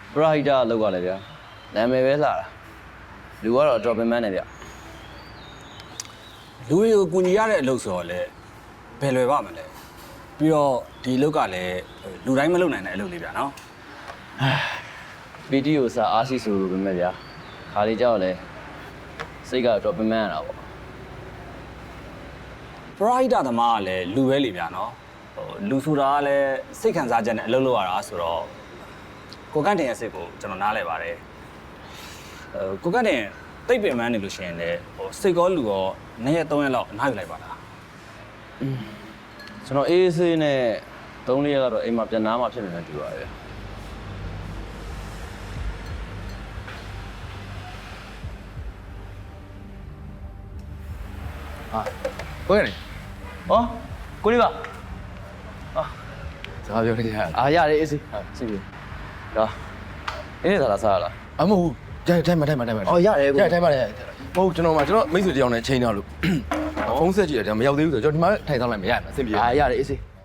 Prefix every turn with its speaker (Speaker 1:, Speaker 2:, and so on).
Speaker 1: ပရာဟိတလောက်ရလဲဗျာနာမည်ပဲလာတာလူကတော့ drop in man နဲ့ဗျ
Speaker 2: လူတွေကိုကူညီရတဲ့အလုပ်ဆိုတော့လေဘယ်လွယ်ပါမလဲပြီးတော့ဒီအလုပ်ကလည်းလူတိုင်းမလုပ်နိုင်တဲ့အလုပ်လေးဗျာနော်
Speaker 1: PT ကိုစာအားရှိဆိုလို့ပဲမဲ့ဗျာခါလေးကြောက်လဲစိတ်က drop in man ရတာပေါ့
Speaker 2: ပရိုက်တာသမားကလည်းလူပဲလေဗျာနော်လူဆိုတာကလည်းစိတ်ခံစားချက်နဲ့အလုပ်လုပ်ရတာဆိုတော့ကိုကန့်တင်ရဲ့စိတ်ကိုကျွန်တော်နားလဲပါတယ်ကိုကန့်တင်တိတ်ပင်ပန်းနေလို့ရှိရင်လည်းစိတ်ကောလူရော2ရက်3ရက်လောက်အနားယူလိုက်ပါလား
Speaker 1: ကျွန်တော်အေးဆေးနဲ့3-4ရက်ကတော့အိမ်မှာပြန်နားမှာဖြစ်နေတယ်တူပါရဲ့
Speaker 3: ဟာကိုရတယ်
Speaker 1: ဟောကိုလေးပါ
Speaker 3: စကားပြောနေကြရ
Speaker 1: အားရတယ်အေးဆေးစီပြီဒါအေးသာလားစားရလား
Speaker 3: အမဟုတ်ထိုင်မ
Speaker 1: အော်ရတယ်ကို
Speaker 3: ထိုင်ပါတယ်ဟုတ်ကျွန်တော်မိတ်ဆွေတယောက်နဲ့ချိန်တော့လို့ဖုန်းဆက်ကြည့်တယ်ဒါမရောက်သေးဘူးဆိုတော့ကျွန်တော်ဒီမှာထိုင်ဆောင်လိုက်မရဘူးအဆင်ပြေ
Speaker 1: အားရတယ်အေးဆေး